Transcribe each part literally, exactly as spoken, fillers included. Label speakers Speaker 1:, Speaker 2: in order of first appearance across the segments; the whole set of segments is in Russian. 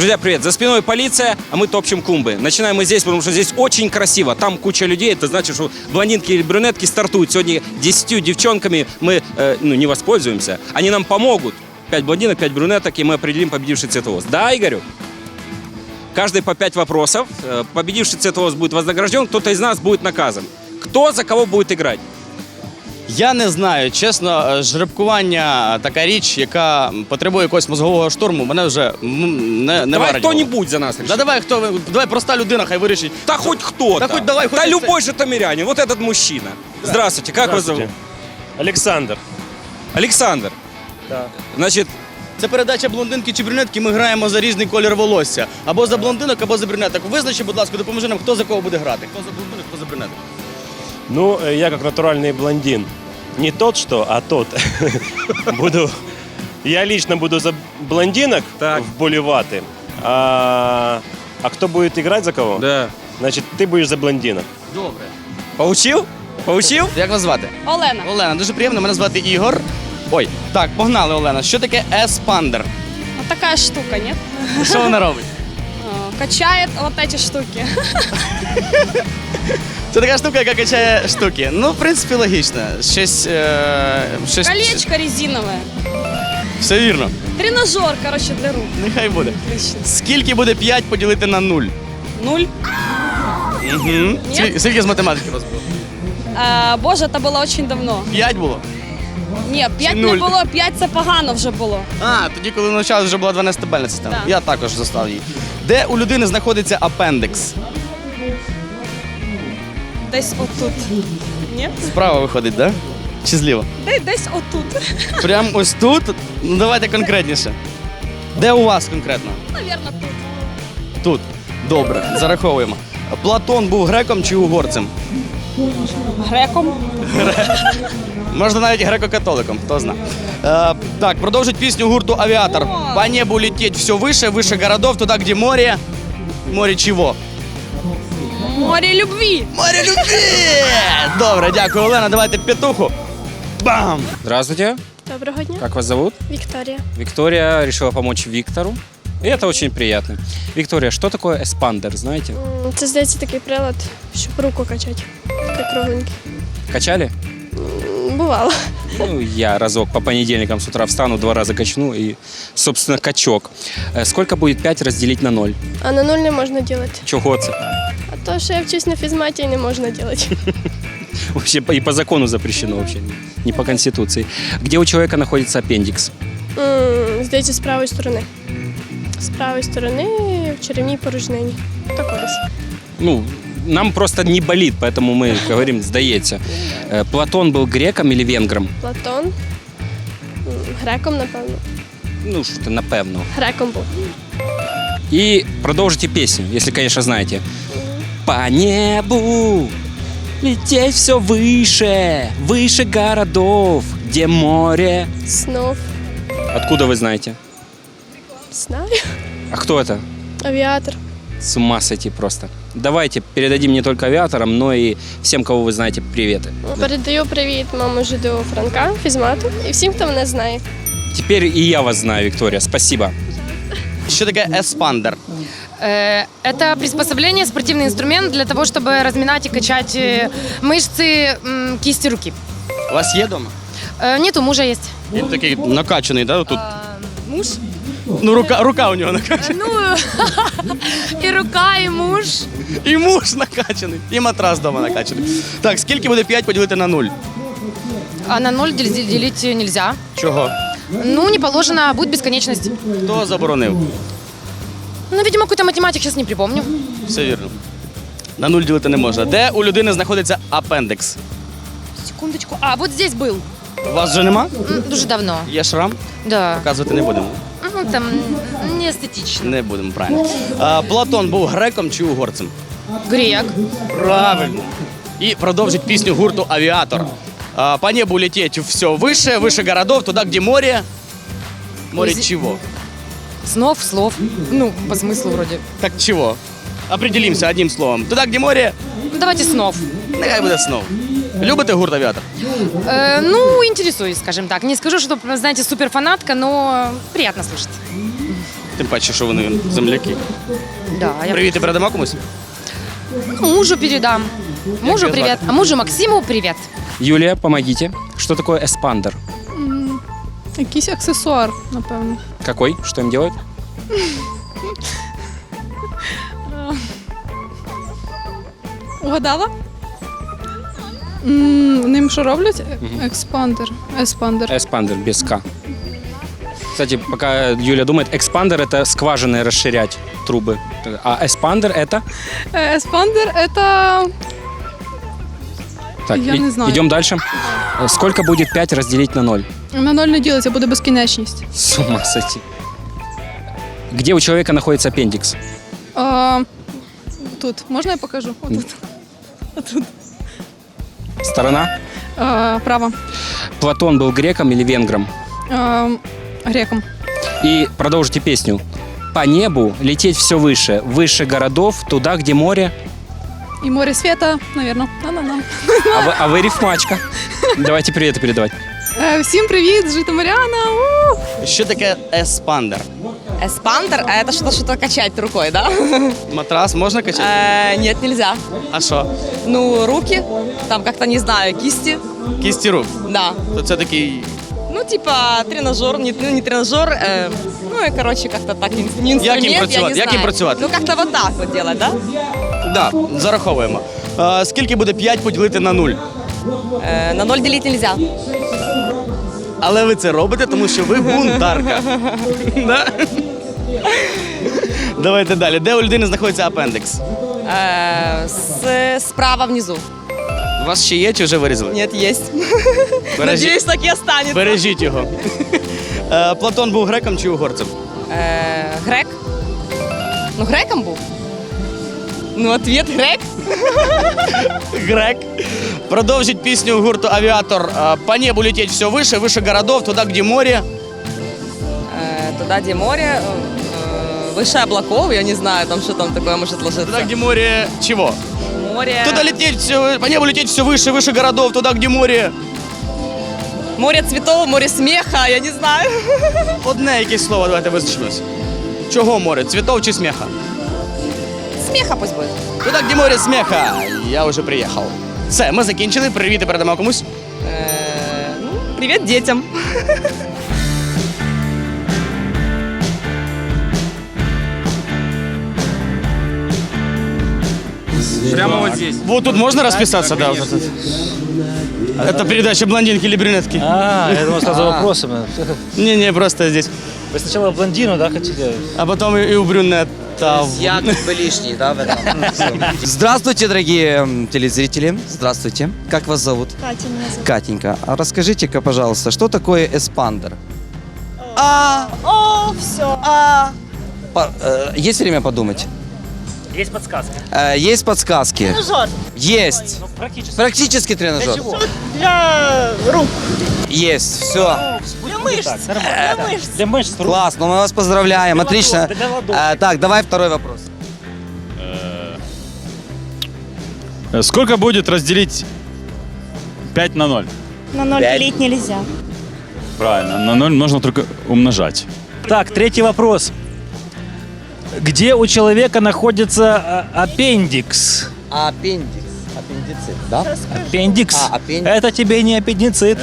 Speaker 1: Друзья, привет! За спиной полиция, а мы топчем клумбы. Начинаем мы здесь, потому что здесь очень красиво. Там куча людей, это значит, что блондинки или брюнетки стартуют. Сегодня десятью девчонками мы э, ну, не воспользуемся. Они нам помогут. Пять блондинок, пять брюнеток, и мы определим победивший цветовоз. Да, Игорю? Каждый по пять вопросов. Победивший цветовоз будет вознагражден, кто-то из нас будет наказан. Кто за кого будет играть?
Speaker 2: Я не знаю, чесно, жеребкування така річ, яка потребує якогось мозгового штурму, мене вже м, не, не
Speaker 1: Давай
Speaker 2: вараділо.
Speaker 1: кто-нибудь за нас решит.
Speaker 2: Да давай, хто, давай проста людина, хай вирішить.
Speaker 1: Да хоть кто-то.
Speaker 2: Да хоть давай, хоть
Speaker 1: Да
Speaker 2: и
Speaker 1: любой же томирянин. Вот этот мужчина. Здравствуйте, как вас зовут?
Speaker 3: Александр.
Speaker 1: Александр.
Speaker 3: Да.
Speaker 1: Значит,
Speaker 2: Це передача блондинки чи брюнетки, ми граємо за різний колір волосся. Або за блондинок, або за брюнеток. Визначи, будь ласка, допоможи нам, хто за кого буде грати. Хто за блондинок, хто за брюнеток.
Speaker 3: Ну, э, я как натуральный блондин. Не тот, что, а тот. Буду. Я лично буду за блондинок
Speaker 1: Так.
Speaker 3: вболеваты. А, а кто будет играть за кого?
Speaker 1: да.
Speaker 3: Значит, ты будешь за блондинок.
Speaker 2: Добре.
Speaker 1: Поучил? Поучил?
Speaker 2: Як вас звати?
Speaker 4: Олена.
Speaker 2: Олена, дуже приємно, мене звати Ігор. Ой, так, погнали, Олена. Що таке еспандер?
Speaker 4: Вот такая штука, нет?
Speaker 2: Що вона робить?
Speaker 4: А, Качает вот эти штуки.
Speaker 2: Це така штука, яка качає штуки. Ну, в принципі, логічно. Щось. Е, щось...
Speaker 4: Колечко резиновое.
Speaker 2: Все вірно.
Speaker 4: Тренажер, короче, для рук.
Speaker 2: Нехай буде.
Speaker 4: Отлично.
Speaker 2: Скільки буде п'ять поділити на нуль?
Speaker 4: Нуль.
Speaker 2: Угу. Скільки з математики у вас було?
Speaker 4: А, Боже, это было очень давно.
Speaker 2: П'ять було?
Speaker 4: Ні, п'ять не
Speaker 2: нуль?
Speaker 4: було, п'ять це погано вже було.
Speaker 2: А, тоді, коли навчалися, вже була дванадцятибальна система.
Speaker 4: Так.
Speaker 2: Я також застав її. Де у людини знаходиться апендикс?
Speaker 4: Десь отут. Ні?
Speaker 2: Справа виходить, так? Да? Чи зліва?
Speaker 4: Де- Десь отут.
Speaker 2: Прям ось тут? Ну давайте конкретніше. Де у вас конкретно?
Speaker 4: Наверно, тут.
Speaker 2: Тут. Добре, зараховуємо. Платон був греком чи угорцем?
Speaker 4: Греком.
Speaker 2: Можна навіть греко-католиком, хто зна. Е, так, продовжить пісню гурту «Авіатор».
Speaker 4: О.
Speaker 2: По небу лететь все выше, выше городов, туда, где море. Море чего?
Speaker 4: Море любви.
Speaker 2: Море любви! Добре, дякую, Олена. Давайте петуху. Бам!
Speaker 1: Здравствуйте.
Speaker 5: Доброго дня,
Speaker 1: Как вас зовут?
Speaker 5: Вікторія.
Speaker 1: Виктория решила помочь Виктору. И это очень приятно. Виктория, что такое эспандер, знаете?
Speaker 5: М, Це, здається, такий прилад, щоб руку качати. Такий кругленький.
Speaker 1: Качали?
Speaker 5: М, Бувало.
Speaker 1: Ну, я разок по понедельникам с утра встану, два раза качну и, собственно, качок. Э, Сколько будет пять разделить на ноль?
Speaker 5: А на нуль не можна робити.
Speaker 1: Чого це?
Speaker 5: А то, що я вчусь на фізматі, не можна робити.
Speaker 1: Вообще по- и по закону запрещено вообще, не по конституции. Где у человека находится аппендикс?
Speaker 5: М, Здається, з правої сторони. З правої сторони в черевній порожнині. Так ось.
Speaker 1: Ну, нам просто не болит, поэтому мы говорим «сдається». Э, Платон был греком или венгром?
Speaker 5: Платон. М, Греком, напевно.
Speaker 1: Ну, что-то напевно.
Speaker 5: Греком був.
Speaker 1: И продолжите песню, если, конечно, знаете. По небу лететь все выше, выше городов, где море.
Speaker 5: Снов.
Speaker 1: Откуда вы знаете?
Speaker 5: Знаю.
Speaker 1: А кто это?
Speaker 5: Авіатор.
Speaker 1: С ума сойти просто. Давайте передадим не только авиаторам, но и всем, кого вы знаете, приветы.
Speaker 5: Передаю привіт маму ЖДУ Франка, фізмату і всім, хто мене знає.
Speaker 1: Теперь и я вас знаю, Виктория. Спасибо.
Speaker 2: Що таке еспандер?
Speaker 6: Э, Это приспособление, спортивный инструмент для того, чтобы разминать и качать э, мышцы м, кисти руки.
Speaker 2: У вас є вдома?
Speaker 6: Э, Нет, у мужа есть.
Speaker 2: Він такий накачаний, да? Тут.
Speaker 6: Муж?
Speaker 2: Ну, рука, рука у нього накачана.
Speaker 6: Ну, и рука, и муж.
Speaker 2: І муж накачаний, і матрас вдома накачаний. Так, скільки буде п'ять поділити на нуль?
Speaker 6: А на ноль дел- делить нельзя.
Speaker 2: Чого?
Speaker 6: Ну, не положено, будет бесконечность.
Speaker 2: Хто заборонив?
Speaker 6: Ну, видимо, какой-то математик, сейчас не припомню.
Speaker 2: Все вірно. На нуль ділити не можна. Де у людини знаходиться апендикс?
Speaker 6: Секундочку. А, вот здесь был.
Speaker 2: У вас вже нема?
Speaker 6: М, Дуже давно.
Speaker 2: Є шрам?
Speaker 6: Да.
Speaker 2: Показувати не будемо.
Speaker 6: Ну, там не эстетично.
Speaker 2: Не будемо, правильно. А, Платон був греком чи угорцем?
Speaker 6: Грек.
Speaker 2: Правильно. І продовжить пісню гурту «Авіатор». А, по небу лететь все выше, выше городов, туда, где море. Море
Speaker 6: Зи-
Speaker 2: чего?
Speaker 6: Снов, слов. Ну, по смыслу вроде.
Speaker 2: Так чего? Определимся одним словом. Туда, где море,
Speaker 6: Ну, давайте снов.
Speaker 2: нехай буде снов. Любите гурт «Авіатор»?
Speaker 6: Э, ну, интересуюсь, скажем так. Не скажу, что, знаете, суперфанатка, но приятно слушать.
Speaker 2: Тим паче, що вони земляки.
Speaker 6: Да, я
Speaker 2: Привіт, і передамо комусь?
Speaker 6: мужу передам. Мужу
Speaker 2: тебя
Speaker 6: привет,
Speaker 2: звать?
Speaker 6: а мужу Максиму привет.
Speaker 1: Юлия, помогите. Что такое эспандер?
Speaker 4: Якийсь аксесуар, напевно.
Speaker 1: Какой? Что им делают?
Speaker 4: Угадала? М, Ним що роблять? Експандер. Еспандер.
Speaker 1: Эспандер без К. Кстати, пока Юля думает, экспандер это скважины расширять трубы. А эспандер это?
Speaker 4: Еспандер это.
Speaker 1: Так,
Speaker 4: Я
Speaker 1: и-
Speaker 4: не знаю.
Speaker 1: идем дальше. Сколько будет пять разделить на ноль?
Speaker 4: На ноль не ділиться, буде безкінечність.
Speaker 1: С ума сойти. Где у человека находится аппендикс?
Speaker 4: А, тут. Можна я покажу? Отут. Отут.
Speaker 1: Сторона?
Speaker 4: А, право.
Speaker 1: Платон был греком или венгром?
Speaker 4: А, греком.
Speaker 1: И продолжите песню. По небу лететь все выше, выше городов, туда, где море.
Speaker 4: І море світа, навірно. На-на-на.
Speaker 1: А вы, а вы рифмачка. Давайте приветы передавать.
Speaker 4: Е, Всім привіт, з Житомиряна. У!
Speaker 2: Що таке еспандер?
Speaker 7: Эспандер – это что-то, что-то качать рукой, да?
Speaker 2: Матрас можна качати?
Speaker 7: Э, Нет, нельзя.
Speaker 2: А що?
Speaker 7: Ну, руки, там как-то, не знаю, кисти,
Speaker 2: Кісті рук.
Speaker 7: да.
Speaker 2: То це такий.
Speaker 7: Ну, типа тренажер, не, ну, не тренажер, э, ну и, короче, как-то так, ин- не инструмент, я
Speaker 2: працювати?
Speaker 7: не
Speaker 2: Як їм
Speaker 7: знаю.
Speaker 2: працювати?
Speaker 7: Ну, как-то вот так вот делать, да?
Speaker 2: Да, зараховуємо. Е, скільки буде п'ять поділити на нуль?
Speaker 7: Э, на ноль делить нельзя.
Speaker 2: Але ви це робите, тому що ви бунтарка. Да? Давайте далі. Де у людини знаходиться апендикс?
Speaker 7: Э, с, справа внизу.
Speaker 2: У вас ще є чи вже вирізали?
Speaker 7: Нет, есть.
Speaker 2: Бережіть,
Speaker 7: Надеюсь, так и останется.
Speaker 2: бережіть його. Е, Платон був греком чи угорцем?
Speaker 7: Э, грек? Ну, греком был. Ну, ответ грек.
Speaker 2: Грек. Продовжить пісню гурту «Авіатор». Е, По небу лететь все выше, выше городов, туда, где море.
Speaker 7: Э, Туда, где море, э, выше облаков, я не знаю, там что там такое может ложиться.
Speaker 2: Туда, где море чего?
Speaker 7: Море.
Speaker 2: Туда лететь все, по небу лететь все выше, выше городов, туда, где море.
Speaker 7: Море цветов, море смеха, я не знаю.
Speaker 2: Одне якесь слово, давайте визначимось. Чого море? Цвітов чи сміха?
Speaker 7: Смеха пусть будет.
Speaker 2: Туда, где море смеха. Я вже приїхав. Все, ми закінчили. Привіт і передамо комусь.
Speaker 7: Э, ну, привет детям.
Speaker 1: Прямо вот здесь.
Speaker 2: Вот тут можно расписаться, да? Вот тут. Это передача «Блондинки или брюнетки».
Speaker 8: А, я думал, сразу вопросами.
Speaker 2: Не-не, просто здесь.
Speaker 8: Вы сначала блондину, да, хотите?
Speaker 2: А потом и, и у брюнета.
Speaker 9: Я как бы лишний, да, в этом? Здравствуйте, дорогие м, телезрители. Здравствуйте. Как вас зовут?
Speaker 10: Катя меня зовут.
Speaker 9: Катенька. А расскажите-ка, пожалуйста, что такое эспандер? А,
Speaker 10: О, все. А,
Speaker 9: по- э, есть время подумать?
Speaker 8: Есть подсказка.
Speaker 9: Э, есть подсказки?
Speaker 10: тренажер
Speaker 9: Есть.
Speaker 8: Ну, практически.
Speaker 9: Практически тренажер.
Speaker 8: чего?
Speaker 10: для рук,
Speaker 9: Есть. Все.
Speaker 10: для мышц.
Speaker 8: Так, нормально.
Speaker 10: Для мышц.
Speaker 8: Для мышц. рук.
Speaker 9: Классно, мы вас поздравляем.
Speaker 8: Для
Speaker 9: Отлично.
Speaker 8: ладошек, для ладошек.
Speaker 9: Э, так, давай второй вопрос.
Speaker 11: Сколько будет разделить пять на ноль?
Speaker 10: На ноль
Speaker 9: Пять.
Speaker 10: делить нельзя.
Speaker 11: Правильно, на ноль нужно только умножать.
Speaker 8: Так, третий вопрос. Где у человека находится а, аппендикс?
Speaker 9: Аппендикс. Аппендицит, да?
Speaker 8: Аппендикс.
Speaker 9: А, аппендикс.
Speaker 8: Это тебе не аппендицит.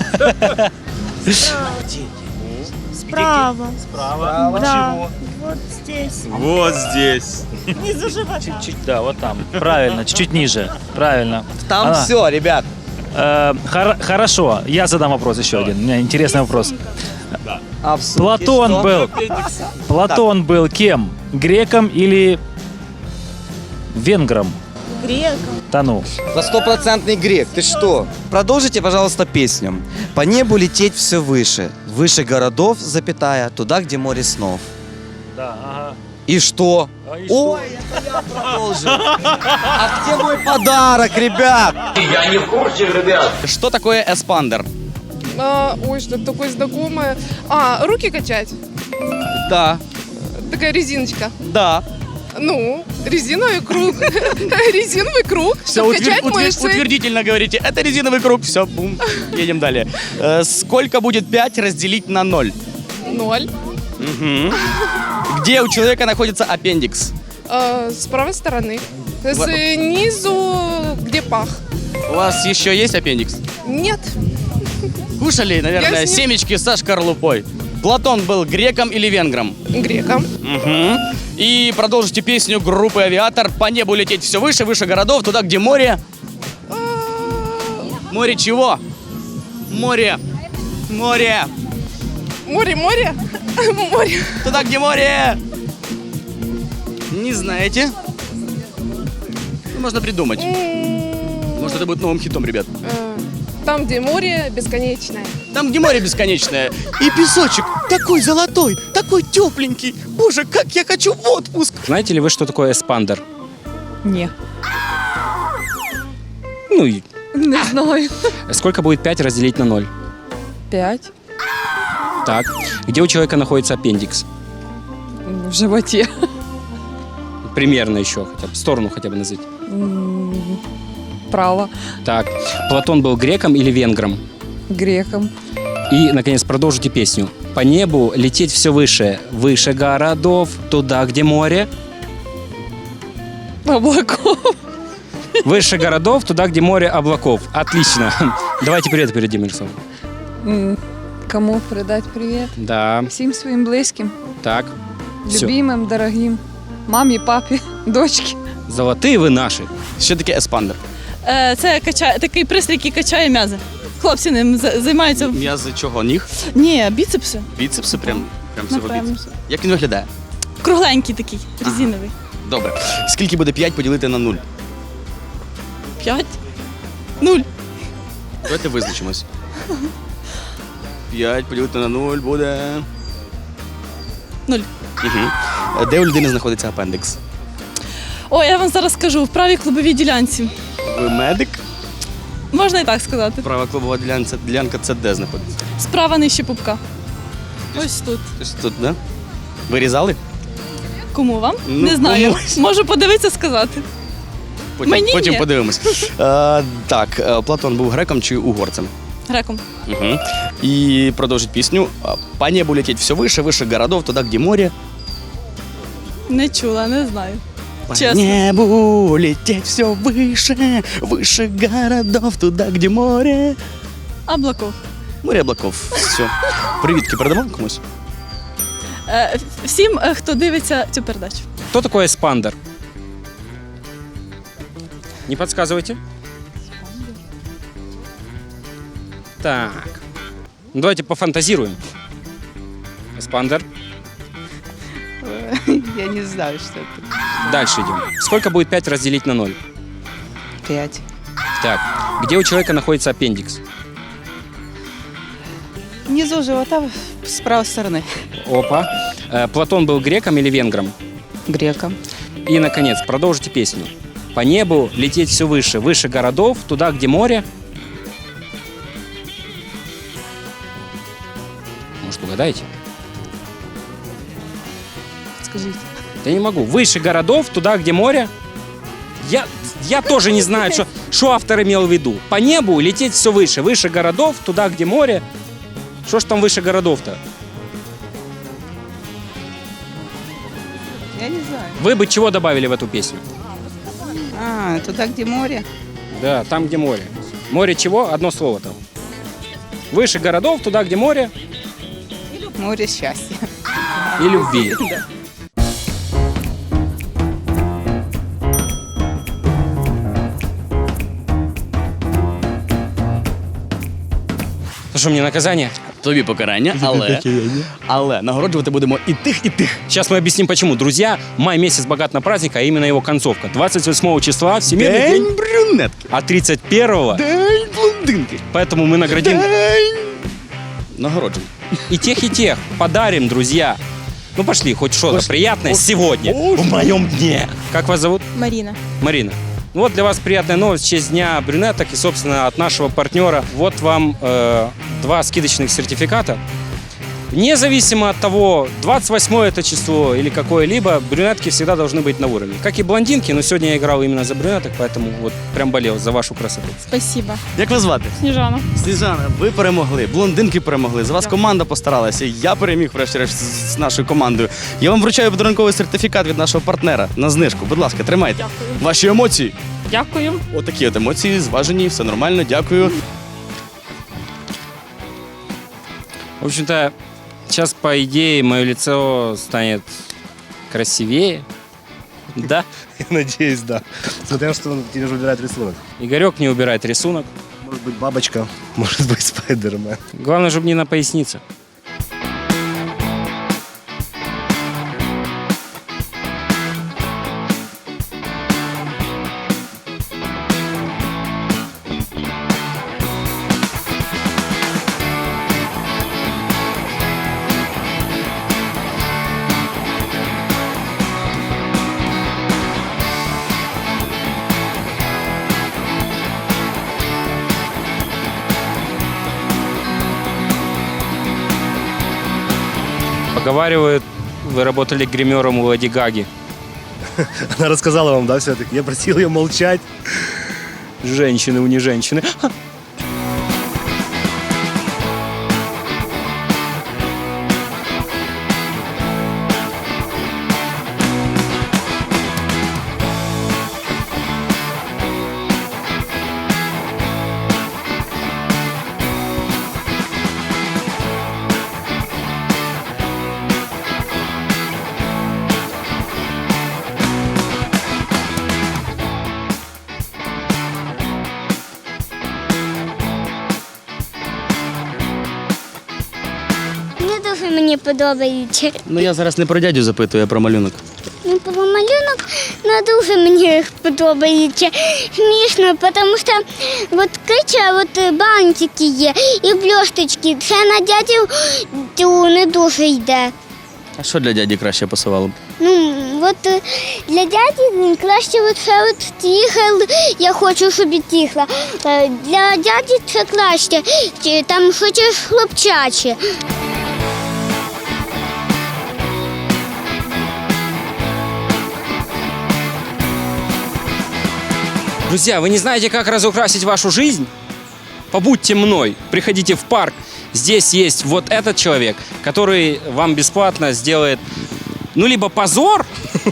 Speaker 10: Справа.
Speaker 8: Справа.
Speaker 10: Да. Вот здесь.
Speaker 11: Вот здесь.
Speaker 10: Внизу живота.
Speaker 8: Чуть, да, вот там. Правильно, чуть-чуть ниже. Правильно.
Speaker 9: Там
Speaker 8: Ана,
Speaker 9: все, ребят.
Speaker 8: э, хор- хорошо, я задам вопрос еще один. У меня интересный вопрос.
Speaker 9: А в сумке
Speaker 8: Платон
Speaker 9: что?
Speaker 8: был. Платон был кем? Греком или венгром?
Speaker 10: Греком.
Speaker 8: Да ну.
Speaker 9: За стопроцентный грек, ты что? Продолжите, пожалуйста, песню. По небу лететь все выше, выше городов, запятая, туда, где море снов.
Speaker 8: Да, ага.
Speaker 9: И что?
Speaker 8: А и
Speaker 9: Ой, это я продолжу. А где мой подарок, ребят?
Speaker 2: Что такое эспандер?
Speaker 4: А, ой, что-то такое знакомое. А, руки качать.
Speaker 2: Да,
Speaker 4: Такая резиночка.
Speaker 2: да.
Speaker 4: Ну, резиновый круг. Резиновый круг,
Speaker 2: Все,
Speaker 4: чтобы качать мышцы.
Speaker 2: утвердительно говорите. Это резиновый круг. Все, бум. Едем далее. Э, сколько будет пять разделить на ноль?
Speaker 4: Ноль.
Speaker 2: Мгм. Где у человека находится аппендикс?
Speaker 4: С правой стороны.
Speaker 2: Вот.
Speaker 4: Снизу, где пах.
Speaker 2: У вас еще есть аппендикс?
Speaker 4: Нет.
Speaker 2: Кушали, наверное,
Speaker 4: Я с ним-
Speaker 2: семечки со шкарлупой. Платон был греком или венгром?
Speaker 4: Греком.
Speaker 2: Угу. И продолжите песню группы «Авиатор». По небу лететь все выше, выше городов, туда, где море. Море чего? Море. Море.
Speaker 4: Море, море. Море.
Speaker 2: Туда, где море. Не знаете? Ну, можно придумать. Может, это будет новым хитом, ребят.
Speaker 4: Там, где море бесконечное.
Speaker 2: Там, где море бесконечное. И песочек такой золотой, такой тепленький. Боже, как я хочу в отпуск.
Speaker 1: Знаете ли вы, что такое эспандер?
Speaker 4: Не.
Speaker 1: Ну, и
Speaker 4: Не знаю.
Speaker 1: сколько будет пять разделить на ноль?
Speaker 4: Пять.
Speaker 1: Так. Где у человека находится аппендикс?
Speaker 4: В животе.
Speaker 1: Примерно еще, хотя бы, сторону хотя бы назовите.
Speaker 4: Право.
Speaker 1: Так. Платон был греком или венгром?
Speaker 4: Греком.
Speaker 1: И, наконец, продолжите песню. По небу лететь все выше, выше городов, туда, где море.
Speaker 4: Облаков.
Speaker 1: Выше городов, туда, где море облаков. Отлично. Давайте привет передадим, Мирославу.
Speaker 4: Кому передать привет?
Speaker 1: Да,
Speaker 4: Всім своїм близьким,
Speaker 1: так. Все.
Speaker 4: любимим, дорогим. Мамі, папі, дочці.
Speaker 1: Золотые вы наши.
Speaker 2: Що таке еспандер?
Speaker 10: Це качає, такий пристрій, який качає м'язи. Хлопці ним за- займаються.
Speaker 2: М'язи чого? Ніг?
Speaker 10: Ні, біцепси.
Speaker 2: Біцепси? Прям, прям всього
Speaker 10: Напевно.
Speaker 2: біцепси. Як він виглядає?
Speaker 10: Кругленький такий, резиновий.
Speaker 2: Добре. Скільки буде п'ять поділити на нуль?
Speaker 10: П'ять. Нуль.
Speaker 2: Давайте визначимось. п'ять поділити на нуль буде...
Speaker 10: Нуль.
Speaker 2: Угу. Де у людини знаходиться апендикс?
Speaker 10: О, я вам зараз скажу, в правій клубовій ділянці.
Speaker 2: Ви медик?
Speaker 10: Можна і так сказати.
Speaker 2: Права клубова ділянка, ділянка це де знаходиться?
Speaker 10: Справа нижче пупка. Ось тут.
Speaker 2: Ось тут, да? Вирізали?
Speaker 10: Кому вам?
Speaker 2: Ну,
Speaker 10: Не знаю.
Speaker 2: комусь.
Speaker 10: Можу подивитися, сказати.
Speaker 2: Потім,
Speaker 10: Мені
Speaker 2: потім
Speaker 10: ні.
Speaker 2: подивимось. Е, так, е, Платон був греком чи угорцем?
Speaker 10: Греком.
Speaker 2: Угу. І продовжить пісню. По небу лететь все выше, выше городов, туда, где море.
Speaker 10: Не чула, не знаю.
Speaker 2: По
Speaker 10: Чесно.
Speaker 2: небу лететь все выше, выше городов, туда, где море.
Speaker 10: Облаков.
Speaker 2: Море облаков. Все. Привітки передамо комусь?
Speaker 10: Е, всім, е, хто дивиться цю передачу.
Speaker 1: Кто такой эспандер? Не подсказывайте. Так. Ну, давайте пофантазируем. Эспандер.
Speaker 4: Я не знаю, що це.
Speaker 1: Дальше идем. Сколько будет пять разделить на ноль?
Speaker 4: П'ять.
Speaker 1: Так. Где у человека находится аппендикс?
Speaker 4: Внизу живота з правої сторони.
Speaker 1: Опа. Э, Платон был греком или венгром?
Speaker 4: Греком.
Speaker 1: И, наконец, продолжите песню. По небу лететь все выше, выше городов, туда, где море. Может, угадаете?
Speaker 4: Скажіть.
Speaker 1: Я не могу. Выше городов, туда, где море. Я, я тоже не знаю, что, что автор имел в виду. По небу лететь все выше, выше городов, туда, где море. Что ж там выше городов-то?
Speaker 4: Я не знаю.
Speaker 1: Вы бы чего добавили в эту песню?
Speaker 4: А, туди, де море.
Speaker 1: Да, там, где море. Море чего? Одно слово там. Выше городов, туда, где море
Speaker 4: Море щастя.
Speaker 1: и любви. Ну что, мне наказание?
Speaker 2: Тобі покарання, але, але нагороджувати будемо і тих, і тих.
Speaker 1: Сейчас мы объясним, почему. Друзья, май месяц богат на праздник, а именно его концовка. двадцать восьмого числа Всемирный день,
Speaker 2: День брюнетки.
Speaker 1: а тридцать первого,
Speaker 2: День блондинки.
Speaker 1: поэтому мы наградим
Speaker 2: День нагороджень.
Speaker 1: и тех, и тех. Подарим, друзья. Ну пошли, хоть что-то приятное сегодня, в моем дне. Как вас зовут?
Speaker 5: Маріна.
Speaker 1: Марина. Ну вот для вас приятная новость в честь Дня брюнеток и, собственно, от нашего партнера. Вот вам э, два скидочных сертификата Независимо от того, двадцать восьмое это число или какое-либо, брюнетки всегда должны быть на уровне. Как и блондинки, но сегодня я играл именно за брюнеток, поэтому вот прям болел за вашу красоту.
Speaker 10: Спасибо.
Speaker 2: Як вас звати?
Speaker 10: Сніжана.
Speaker 2: Сніжана, ви перемогли, блондинки перемогли. За вас команда постаралася. Я переміг, врешті-решт, з з нашою командою. Я вам вручаю подарунковий сертифікат від нашого партнера на знижку. Будь ласка, тримайте.
Speaker 10: Дякую.
Speaker 2: Ваші емоції.
Speaker 10: Дякую.
Speaker 2: Отакі от емоції, зважені, все нормально, дякую.
Speaker 1: В общем-то, сейчас, по идее, мое лицо станет красивее. Да?
Speaker 3: Я надеюсь, да. Смотря на что тебе же выбирает рисунок.
Speaker 1: Игорек не убирает рисунок.
Speaker 3: Может быть бабочка, может быть Спайдермен.
Speaker 1: Главное, чтобы не на пояснице. Поговаривают, вы работали гримером у Леди Гаги.
Speaker 3: Она рассказала вам, да, все-таки? Я просил ее молчать.
Speaker 1: Женщины, у не женщины.
Speaker 12: Не дуже мені подобається.
Speaker 2: Ну я зараз не про дядю запитую, а про малюнок.
Speaker 12: Ну, про малюнок не дуже мені подобається. Смішно, тому що от крича, от бантики є і блісточки. Це на дядю тю, не дуже йде.
Speaker 2: А що для дяді краще пасувало б?
Speaker 12: Ну, от е, для дяді краще от це от тігл, я хочу, щоб і тігла. Е, Для дяді це краще, чи там хочеш хлопчаче.
Speaker 1: Друзья, вы не знаете, как разукрасить вашу жизнь? Побудьте мной, приходите в парк. Здесь есть вот этот человек, который вам бесплатно сделает, ну, либо позор,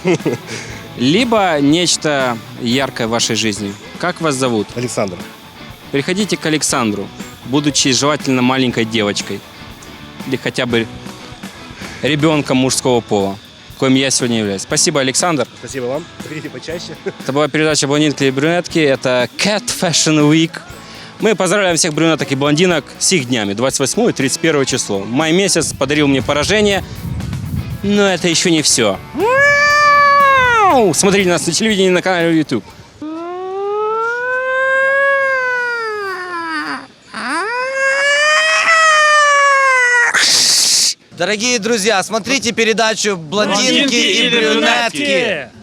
Speaker 1: либо нечто яркое в вашей жизни. Как вас зовут?
Speaker 3: Александр.
Speaker 1: Приходите к Александру, будучи желательно маленькой девочкой. Или хотя бы ребенком мужского пола, коим я сегодня являюсь. Спасибо, Александр.
Speaker 3: Спасибо вам. Приходите почаще.
Speaker 1: Это была передача «Блондинки и брюнетки». Это Cat Fashion Week. Мы поздравляем всех брюнеток и блондинок с их днями. двадцать восьмое и тридцать первое число. Май месяц подарил мне поражение. Но это еще не все. Смотрите нас на телевидении и на канале YouTube.
Speaker 9: Дорогие друзья, смотрите передачу «Блондинки и брюнетки».